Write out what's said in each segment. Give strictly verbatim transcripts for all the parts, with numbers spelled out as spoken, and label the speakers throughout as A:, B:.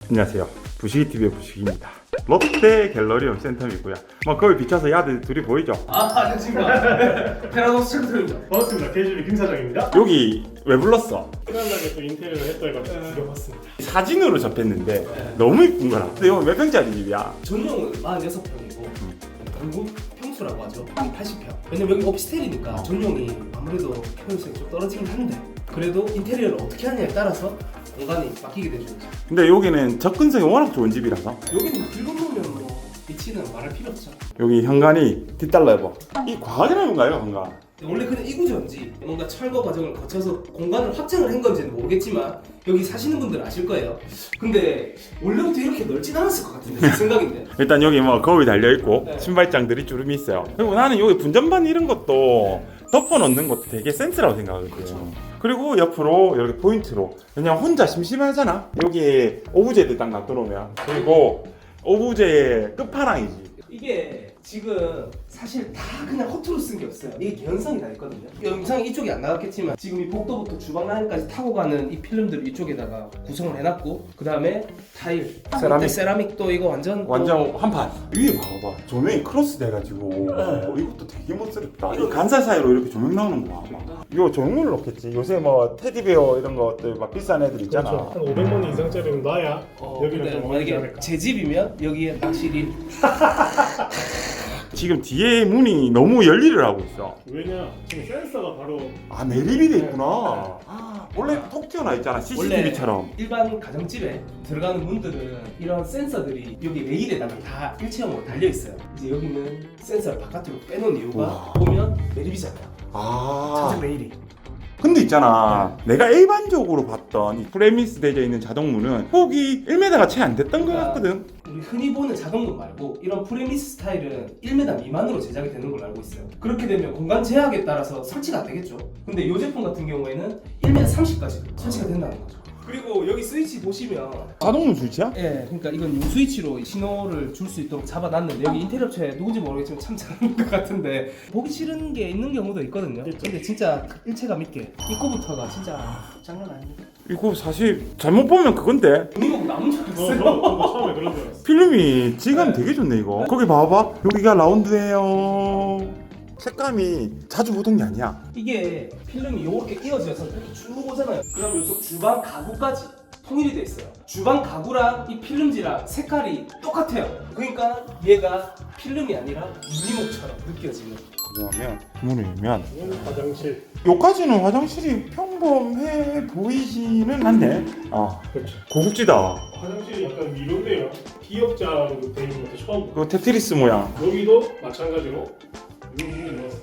A: 안녕하세요. 부시기티비의 부시기입니다. 롯데 갤러리움 센텀이고요. 뭐 거기 비춰서 야들 둘이 보이죠?
B: 아, 안녕하십니까. 테라노스 챔프입니다.
C: 반갑습니다. 케이지비 김 사장입니다.
A: 여기 왜 불렀어?
C: 편안하게 또 인테리어를 했다 해가지고 죽여봤습니다.
A: 사진으로 접했는데 너무 이쁜 거라. 근데 이거 몇 평짜리 집이야?
B: 전용은 사십육 평이고 공급 평수라고 하죠. 팔십 평. 왜냐면 여기 오피스텔이니까
A: 어.
B: 전용이 아무래도 효율성이 좀 떨어지긴 한데 그래도 인테리어를 어떻게 하냐에 따라서 공간이 바뀌게 되죠.
A: 근데 여기는 접근성이 워낙 좋은 집이라서
B: 여기는 길 건너면 뭐 위치는 말할 필요 없죠.
A: 여기 현관이 뒷달라 해봐. 이 과학이라는 건가요, 현관?
B: 원래 그냥 이구조인지 뭔가 철거 과정을 거쳐서 공간을 확장을 한 건지는 모르겠지만 여기 사시는 분들은 아실 거예요. 근데 원래부터 이렇게 넓진 않았을 것 같은데 제 생각인데.
A: 일단 여기 뭐 거울이 달려있고
B: 네.
A: 신발장들이 주름이 있어요. 그리고 나는 여기 분전반 이런 것도 덮어놓는 것도 되게 센스라고 생각하거든요.
B: 그렇죠.
A: 그리고 옆으로 이렇게 포인트로, 왜냐면 혼자 심심하잖아. 여기 오브제들 딱 놔두면. 그리고 오브제의 끝판왕이지.
B: 이게 지금 사실 다 그냥 허투루 쓴 게 없어요. 이게 개연성이 다 있거든요. 영상이 이쪽이 안 나갔겠지만 지금 이 복도부터 주방 라인까지 타고 가는 이 필름들을 이쪽에다가 구성을 해놨고 그 다음에 타일,
A: 세라믹.
B: 세라믹도 이거 완전
A: 완전 한판. 위에 봐봐. 조명이 크로스 돼가지고 어, 이것도 되게 멋스럽다. 이 간살 사이로 이렇게 조명 나오는 거야. 이거 조명을 넣겠지. 요새 뭐 테디베어 이런 것들 막 비싼 애들 있잖아.
C: 그렇죠. 한 오백만 원 이상짜리는 놔야
B: 어,
C: 여기는
B: 근데
C: 좀 어울리지
B: 만약에
C: 않을까.
B: 제 집이면 여기에 확실히
A: 지금 뒤에 문이 너무 열일을 하고 있어.
C: 왜냐 지금 센서가 바로
A: 아, 매립이 돼 있구나. 아, 원래 톡 튀어나 있잖아. 씨씨티비처럼.
B: 일반 가정집에 들어가는 문들은 이런 센서들이 여기 레일에다가 다 일체형으로 달려 있어요. 이제 여기는 센서를 바깥으로 빼놓은 이유가
A: 우와.
B: 보면 매립이잖아요.
A: 아.
B: 차색 레일이.
A: 근데 있잖아, 내가 일반적으로 봤던 이 프레미스 되어 있는 자동문은 폭이 일 미터가 채 안 됐던 것 같거든.
B: 우리 흔히 보는 자동문 말고 이런 프레미스 스타일은 일 미터 미만으로 제작이 되는 걸로 알고 있어요. 그렇게 되면 공간 제약에 따라서 설치가 안 되겠죠. 근데 이 제품 같은 경우에는 일 미터 삼십까지 설치가 된다는 거죠. 그리고 여기 스위치 보시면
A: 자동문 스위치야?
B: 예, 그러니까 이건 요 스위치로 신호를 줄 수 있도록 잡아놨는데 여기 인테리어 업체 누군지 모르겠지만 참 잘하는 것 같은데 보기 싫은 게 있는 경우도 있거든요. 근데 진짜 일체감 있게 입구부터가 진짜 장난 아닙니다.
A: 이거 사실 잘못 보면 그건데.
B: 이거 남은 줄
C: 어,
B: 알았어요.
C: 저도, 저도 처음에 그런 줄 알았어.
A: 필름이 질감이
B: 네.
A: 되게 좋네 이거. 거기 봐봐, 여기가 라운드예요. 색감이 자주 보던 게 아니야.
B: 이게 필름이 이렇게 이어져서 이렇게 쭉 오잖아요. 그럼 이쪽 주방 가구까지 통일이 돼 있어요. 주방 가구랑 이 필름지랑 색깔이 똑같아요. 그러니까 얘가 필름이 아니라 유리목처럼 느껴지는.
A: 그러면 문을 열면
C: 이건 화장실.
A: 여기까지는 화장실이 평범해 보이지는 않네. 아,
C: 그렇죠.
A: 고급지다.
C: 화장실이 약간 미로인데요. 기역자로 돼 있는 것도 처음 보고.
A: 그 테트리스 모양.
C: 여기도 마찬가지로 이런 부분이 넣었어요.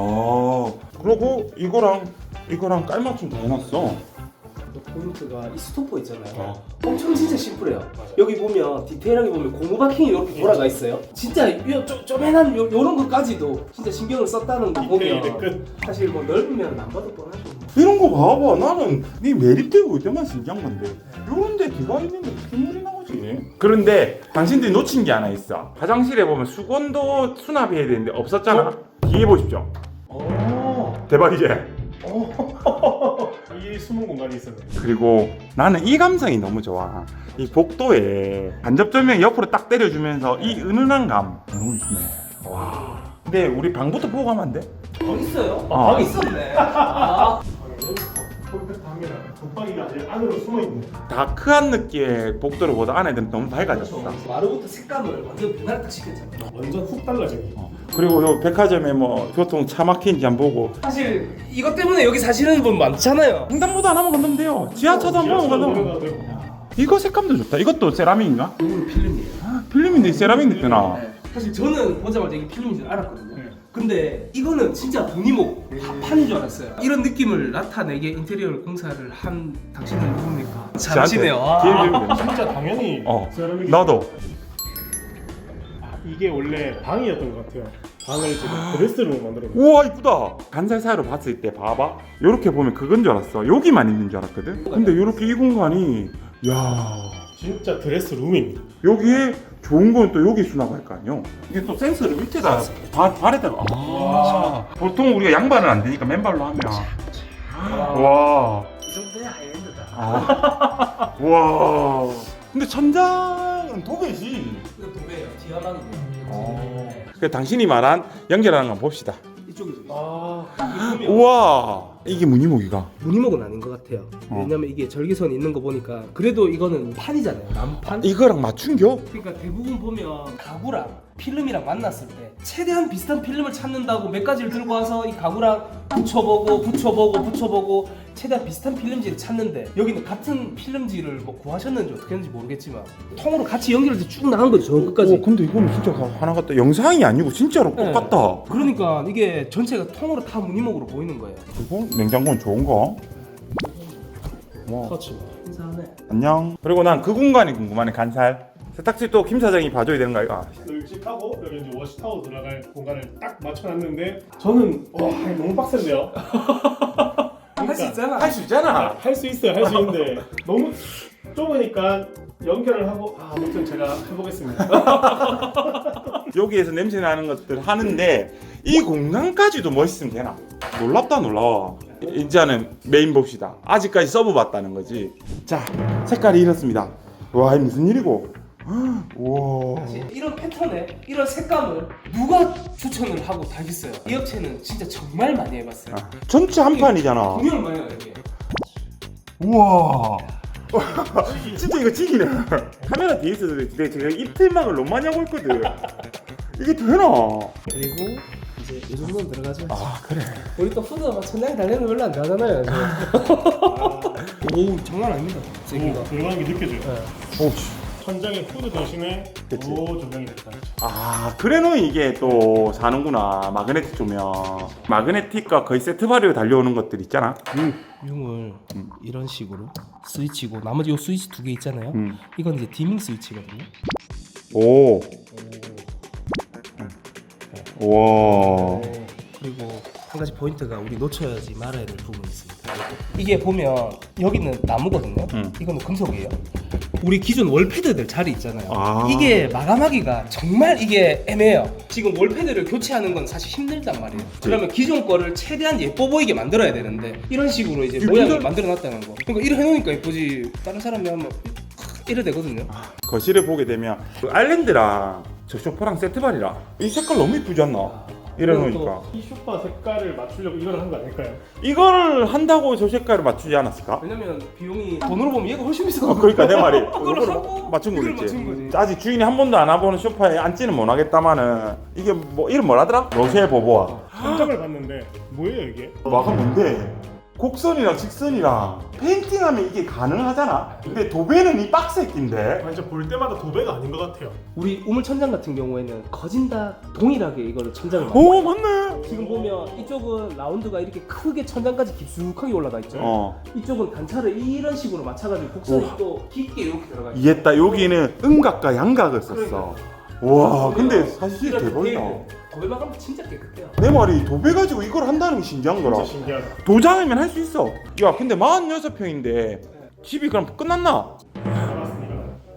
A: 아, 그리고 이거랑 이거랑 깔맞춤 다 해놨어.
B: 포인트가 이 스토퍼 있잖아요.
A: 어.
B: 엄청 진짜 심플해요.
C: 맞아요.
B: 여기 보면 디테일하게 보면 고무 바킹이 이렇게 돌아가 있어요. 진짜 요, 좀, 쪼맨한 요, 요런 것까지도 진짜 신경을 썼다는 거
C: 디테일의
B: 보면
C: 끝.
B: 사실 뭐 넓으면 안 봐도 뻔하죠.
A: 이런 거 봐봐. 나는 네 매립되고 이때만 신기한 건데 이런 데 뒤가 있는데 어떻게 물이 나오지? 그런데 당신들이 놓친 게 하나 있어. 화장실에 보면 수건도 수납해야 되는데 없었잖아. 뒤에 보십시오.
B: 오.
A: 대박이지?
C: 이 숨은 공간이 있었네.
A: 그리고 나는 이 감성이 너무 좋아. 이 복도에 간접 조명 옆으로 딱 때려주면서 이 은은한 감 너무 좋네. 와. 근데 우리 방부터 보고 가면 안 돼?
B: 방 있어요?
A: 아.
B: 방 있었네. 아.
C: 컴팩트합니다. 붙박이가 아직 안으로 숨어 있네.
A: 다크한 느낌의 복도를 보다 안에는 너무 밝아졌어.
B: 마루부터 색감을 완전 변화를 딱 시켰잖아요.
C: 완전 훅 달라지네.
A: 그리고 요 백화점에 뭐 교통 차 막힌지 안 보고
B: 사실 이것 때문에 여기 사시는 분 많잖아요.
A: 횡단보도 안 하면 건너면 돼요. 지하차도 안 보면
C: 지하철
A: 건너면.
C: 내려가도 되고.
A: 이거 색감도 좋다. 이것도 세라믹인가?
B: 이거는 필름이에요.
A: 아, 필름인데 세라믹 느껴나.
B: 네. 사실 저는 보자마자 이게 필름인 줄 알았거든요.
C: 네.
B: 근데 이거는 진짜 분이목 판인 줄 알았어요. 이런 느낌을 나타내게 인테리어 공사를 한 당신은 누굽니까? 잘하시네요.
A: 기회
B: 아.
A: 주면 돼.
C: 진짜 당연히
A: 어,
C: 세라믹이
A: 나도.
C: 이게 원래 방이었던 것 같아요. 방을 지금 드레스룸으로 만들었는데
A: 우와, 이쁘다. 간살 사이로 봤을 때 봐봐. 요렇게 보면 그건 줄 알았어. 여기만 있는 줄 알았거든. 근데 요렇게 이 공간이, 야,
C: 진짜 드레스룸입니다.
A: 여기에 좋은 건 또 여기 수납할 거 아니요. 이게 또 센서를 밑에다 발, 발에다가. 아, 보통 우리가 양발은 안 되니까 맨발로 하면. 와.
B: 이 정도야 하이엔드다.
A: 아. 와. 근데 천장은 도배지.
B: 이거 도배예요. 디아망이에요.
A: 어. 그 당신이 말한 연결하는 건 봅시다.
B: 이쪽이죠.
C: 아,
A: 우와, 이게 무늬목이가.
B: 무늬목은 아닌 것 같아요.
A: 어.
B: 왜냐면 이게 절개선이 있는 거 보니까 그래도 이거는 판이잖아요. 나무판.
A: 이거랑 맞춘겨?
B: 그러니까 대부분 보면 가구랑 필름이랑 만났을 때 최대한 비슷한 필름을 찾는다고 몇 가지를 들고 와서 이 가구랑 붙여보고 붙여보고 붙여보고 최대한 비슷한 필름지를 찾는데 여기는 같은 필름지를 뭐 구하셨는지 어떻게 했는지 모르겠지만 통으로 같이 연결돼서 쭉 나간 거죠. 저 끝까지.
A: 어, 근데 이거는 진짜 하나 같다. 영상이 아니고 진짜로
B: 네.
A: 똑같다.
B: 그러니까 이게 전체가 통으로 다 무늬목으로 보이는 거예요.
A: 그리고 냉장고는 좋은 거. 와,
B: 터치. 인사하네.
A: 안녕. 그리고 난 그 공간이 궁금하네. 간살. 세탁실 또 김 사장이 봐줘야 되는 거 아이가?
C: 널찍하고 여기 이제 워시타워 들어갈 공간을 딱 맞춰놨는데 저는 와 이거 너무 빡센데요.
B: 할 수 있잖아.
A: 할 수 있잖아.
C: 할 수 있어요, 할 수 있는데 너무 좁으니까 연결을 하고 아, 아무튼 제가 해보겠습니다.
A: 여기에서 냄새 나는 것들 하는데 이 공간까지도 멋있으면 되나? 놀랍다 놀라워. 이제는 메인 봅시다. 아직까지 서브봤다는 거지. 자, 색깔이 이렇습니다. 와, 이게 무슨 일이고? 우와.
B: 이런 패턴에 이런 색감을 누가 추천을 하고 다녔어요. 이 업체는 진짜 정말 많이 해봤어요.
A: 아, 전체 한 판이잖아.
B: 공연을 많이 해요 이게.
A: 우와. 진짜 이거 지기네. 카메라 뒤에 있어도 내 제가 입틀막을 너무 많이 하고 있거든. 이게 되나?
B: 그리고 이제 이 정도는 들어가죠.
A: 아, 그래.
B: 우리 또 후드가 막 천장에 달리는 거 별로 안 나잖아요. 오 장난 아닙니다. 세기가.
C: 오, 들어가는 게 느껴져요.
B: 네.
A: 오, 씨.
C: 천장에 후드 대신에
A: 그치.
C: 오 조명이 됐다.
A: 아, 그래놓 이게 또 사는구나. 마그네틱 조명. 마그네틱과 거의 세트 발효 달려오는 것들 있잖아.
B: 융을
A: 음.
B: 이런 식으로 스위치고 나머지 요 스위치 두 개 있잖아요.
A: 음.
B: 이건 이제 디밍 스위치거든요.
A: 오. 와.
B: 그리고 한 가지 포인트가 우리 놓쳐야지 말아야 될 부분이 있습니다. 이게 보면 여기는 나무거든요.
A: 음.
B: 이거는 금속이에요. 우리 기존 월패드들 자리 있잖아요.
A: 아.
B: 이게 마감하기가 정말 이게 애매해요. 지금 월패드를 교체하는 건 사실 힘들단 말이에요. 그러면 기존 거를 최대한 예뻐 보이게 만들어야 되는데 이런 식으로 이제
A: 이거
B: 모양을
A: 힘들-
B: 만들어 놨다는 거. 그러니까 이래 해놓으니까 예쁘지. 다른 사람이 하면 이래 되거든요.
A: 거실에 보게 되면 그 아일랜드랑 저 소파랑 세트 발이라 이 색깔 너무 이쁘지 않나? 이래놓으니까
C: 이 소파 색깔을 맞추려고 이걸 한 거 아닐까요?
A: 이걸 한다고 저 색깔을 맞추지 않았을까?
B: 왜냐면 비용이 돈으로 보면 얘가 훨씬 비싸.
A: 어, 그러니까 내 말이
B: 그걸
A: 이걸
B: 하고
A: 맞춘
B: 이걸
A: 거겠지.
B: 맞춘 거지.
A: 아직 주인이 한 번도 안 와보는 소파에 앉지는 못하겠다마는 이게 뭐 이름 뭐라더라? 로쉐 보보아.
C: 천장을 봤는데 뭐예요 이게?
A: 마가 뭔데? 곡선이랑 직선이랑 페인팅하면 이게 가능하잖아. 근데 도배는 이 빡새끼인데.
C: 완전 볼 때마다 도배가 아닌 것 같아요.
B: 우리 우물 천장 같은 경우에는 거진 다 동일하게 이거를 천장을
A: 오, 맞네.
B: 지금 보면 이쪽은 라운드가 이렇게 크게 천장까지 깊숙하게 올라가 있죠.
A: 어,
B: 이쪽은 단차를 이런 식으로 맞춰가지고 곡선이 또 깊게 이렇게 들어가 있죠.
A: 이해했다. 여기는 음각과 양각을 썼어. 와, 근데 사실
B: 이런
A: 대박이다.
B: 디테일들. 도배 마감 진짜 깨끗해요.
A: 내 말이 도배 가지고 이걸 한다는 게 신기한 거라.
C: 진짜 신기하다.
A: 도장이면 할 수 있어. 야, 근데 사십육 평인데 집이 그럼 끝났나?
C: 알았습니다.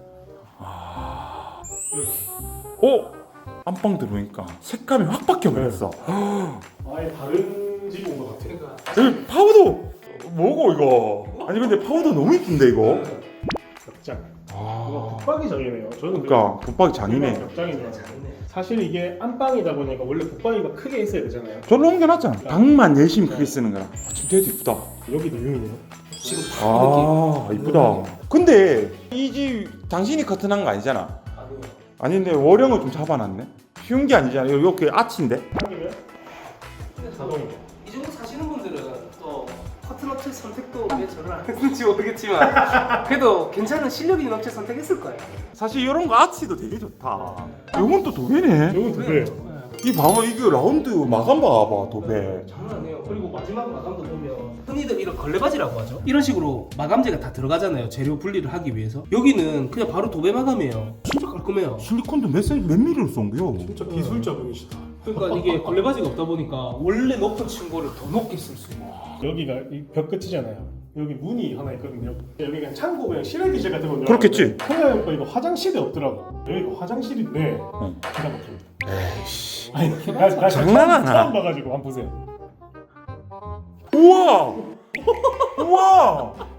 A: 어? 안방 들어오니까 색감이 확 바뀌어버렸어.
C: 아예 다른 집 온 것 같아요.
B: 그러니까
A: 여기 파우더 뭐고 이거? 아니 근데 파우더 너무 이쁜데 이거?
C: 벽장.
A: 아,
C: 이거 붙박이장이네요. 저는
A: 그러니까 붙박이 장이네.
C: 벽장인 줄 알았어요. 사실 이게 안방이다 보니까 원래 붙박이가 크게 있어야 되잖아요.
A: 저로 옮겨놨잖아. 방만 열심히 크게 쓰는 거라. 아, 진짜 되게 이쁘다.
C: 여기도 융이네요.
B: 지금 다
A: 아, 이쁘다. 근데 이 집 당신이 커튼한 거 아니잖아.
B: 아니에요.
A: 아닌데 월형을 좀 잡아놨네. 쉬운 게 아니잖아. 이렇게 아치인데.
C: 하기면 자동이네요.
B: 이 정도 사시는 분들은 또 커튼 업체 선택도 왜 저를 안 했는지 모르겠지만 그래도 괜찮은 실력 있는 업체 선택했을 거예요.
A: 사실 이런 거 아치도 되게 좋다. 이건 또 도배네.
C: 이건 두 배예요.
A: 이 봐봐 이거 라운드 마감 봐봐 도배.
B: 장난 아니에요. 그리고 마지막 마감도 보면 흔히들 이런 걸레바지라고 하죠. 이런 식으로 마감재가 다 들어가잖아요. 재료 분리를 하기 위해서. 여기는 그냥 바로 도배 마감이에요. 진짜 깔끔해요.
A: 실리콘도 몇 센, 몇 미리로 쏜 거요?
C: 진짜 기술자분이시다.
B: 그러니까 이게 걸레바지가 없다 보니까 원래 높은 층고를 더 높게 쓸 수 있는.
C: 여기가 이 벽 끝이잖아요. 여기 문이 하나 있거든요. 여기 그냥 창고 그냥 실외 기재 같은 건데.
A: 그렇겠지.
C: 생각해보니까 이거 화장실이 없더라고. 여기가 화장실인데
A: 응.
C: 기가 막힙니다.
A: 에이씨.
C: 아니 나, 나
A: 장난하나?
C: 처음 봐가지고 한번 보세요.
A: 우와! 우와!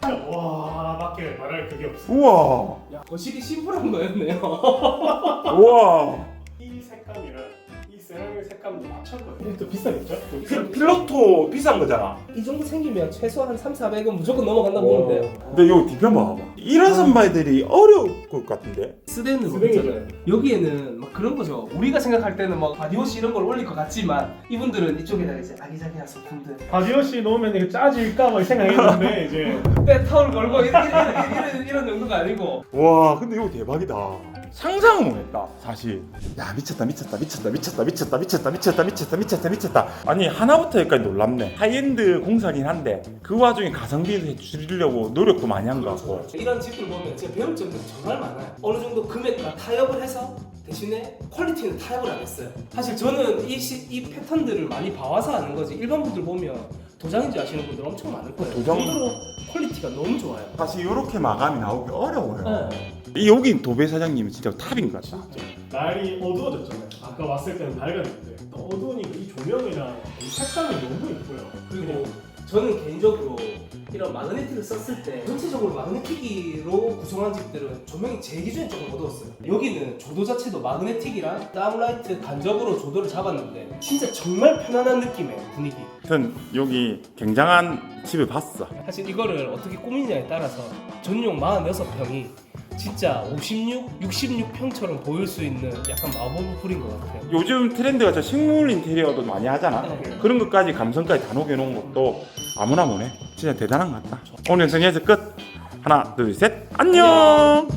C: 와 밖에 말할 그게 없어.
A: 우와.
B: 야, 거실이 심플한 거였네요.
A: 우와.
C: 이 색감이랑 이 세라믹 색감도 맞췄거든요. 이게 또 비싸겠죠? 또
A: 필,
C: 비싼
A: 필로토 비싼 거잖아.
B: 이 정도 생기면 최소 한 삼, 사백은 무조건 넘어간다고 보면 돼요.
A: 근데 여기 뒤편 봐봐. 이런 선발들이 어려울 것 같은데.
B: 스댄은
C: 스댕이죠.
B: 없잖아요. 여기에는 막 그런 거죠. 우리가 생각할 때는 막 바디워시 이런 걸 올릴 것 같지만 이분들은 이쪽에다 이제 아기자기한 소품들
C: 바디워시 놓으면 이게 짜질까 막 생각했는데 이제
B: 때 타올 걸고 이런, 이런, 이런, 이런 정도가 아니고
A: 와, 근데 이거 대박이다. 상상을 못했다, 사실. 야, 미쳤다, 미쳤다, 미쳤다, 미쳤다, 미쳤다, 미쳤다, 미쳤다, 미쳤다, 미쳤다, 미쳤다. 아니, 하나부터 여기까지 놀랍네. 하이엔드 공사긴 한데 그 와중에 가성비를 해주려고 노력도 많이 한 것 같고.
B: 이런 집들 보면 제가 배울 점들이 정말 많아요. 어느 정도 금액과 타협을 해서 대신에 퀄리티는 타협을 안 했어요. 사실 저는 이, 시, 이 패턴들을 많이 봐와서 아는 거지 일반 분들 보면 도장인지 아시는 분들 엄청 많을 거예요.
A: 도장?
B: 그 정도로 퀄리티가 너무 좋아요.
A: 사실 이렇게 마감이 나오기 어려워요.
B: 네.
A: 이 여기 도배 사장님은 진짜 탑인 것 같다.
C: 날이 어두워졌잖아요. 아까 왔을 때는 밝았는데 또 어두우니까 이 조명이랑 이 색감이 너무 예뻐요.
B: 그리고 저는 개인적으로 이런 마그네틱을 썼을 때 전체적으로 마그네틱으로 구성한 집들은 조명이 제 기준에 조금 어두웠어요. 여기는 조도 자체도 마그네틱이랑 다운라이트 간접으로 조도를 잡았는데 진짜 정말 편안한 느낌의 분위기.
A: 하여튼 여기 굉장한 집을 봤어.
B: 사실 이거를 어떻게 꾸미냐에 따라서 전용 사십육 평이 진짜 오십육, 육십육 평처럼 보일 수 있는 약간 마법 풀인 것 같아요.
A: 요즘 트렌드가 저 식물 인테리어도 많이 하잖아.
B: 네.
A: 그런 것까지 감성까지 다 녹여놓은 것도 아무나 못해. 진짜 대단한 것 같다. 오늘 영상 여기서 끝. 하나, 둘, 셋. 안녕.